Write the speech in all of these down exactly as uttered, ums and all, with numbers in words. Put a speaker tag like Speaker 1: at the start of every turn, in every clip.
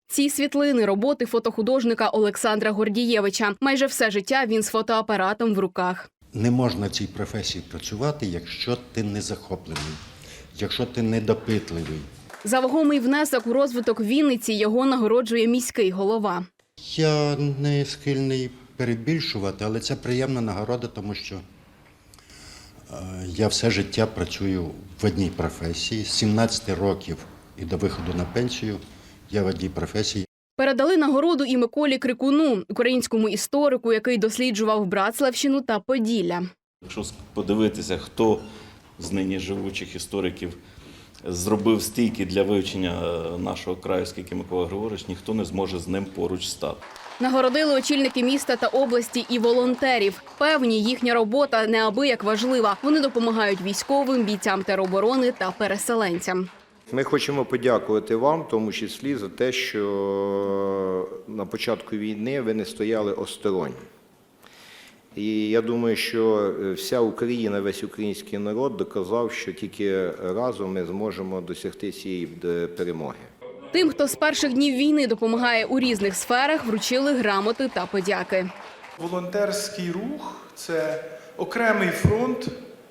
Speaker 1: Ці світлини – роботи фотохудожника Олександра Гордієвича. Майже все життя він з фотоапаратом в руках.
Speaker 2: Не можна в цій професії працювати, якщо ти не захоплений, якщо ти недопитливий.
Speaker 1: За вагомий внесок у розвиток Вінниці його нагороджує міський голова.
Speaker 2: Я не схильний перебільшувати, але це приємна нагорода, тому що я все життя працюю в одній професії. З сімнадцяти років і до виходу на пенсію я в одній професії.
Speaker 1: Передали нагороду і Миколі Крикуну, українському історику, який досліджував Братславщину та Поділля.
Speaker 3: Якщо подивитися, хто з нині живучих істориків зробив стільки для вивчення нашого краю, скільки Микола Григорович, ніхто не зможе з ним поруч стати.
Speaker 1: Нагородили очільники міста та області і волонтерів. Певні, їхня робота неабияк важлива. Вони допомагають військовим, бійцям тероборони та переселенцям.
Speaker 4: Ми хочемо подякувати вам, в тому числі, за те, що на початку війни ви не стояли осторонь. І я думаю, що вся Україна, весь український народ доказав, що тільки разом ми зможемо досягти цієї перемоги.
Speaker 1: Тим, хто з перших днів війни допомагає у різних сферах, вручили грамоти та подяки.
Speaker 5: Волонтерський рух – це окремий фронт,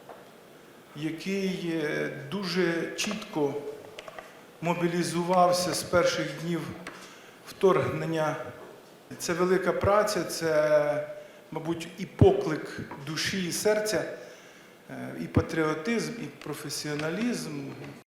Speaker 5: який дуже чітко мобілізувався з перших днів вторгнення. Це велика праця, це, мабуть, і поклик душі і серця, і патріотизм, і професіоналізм,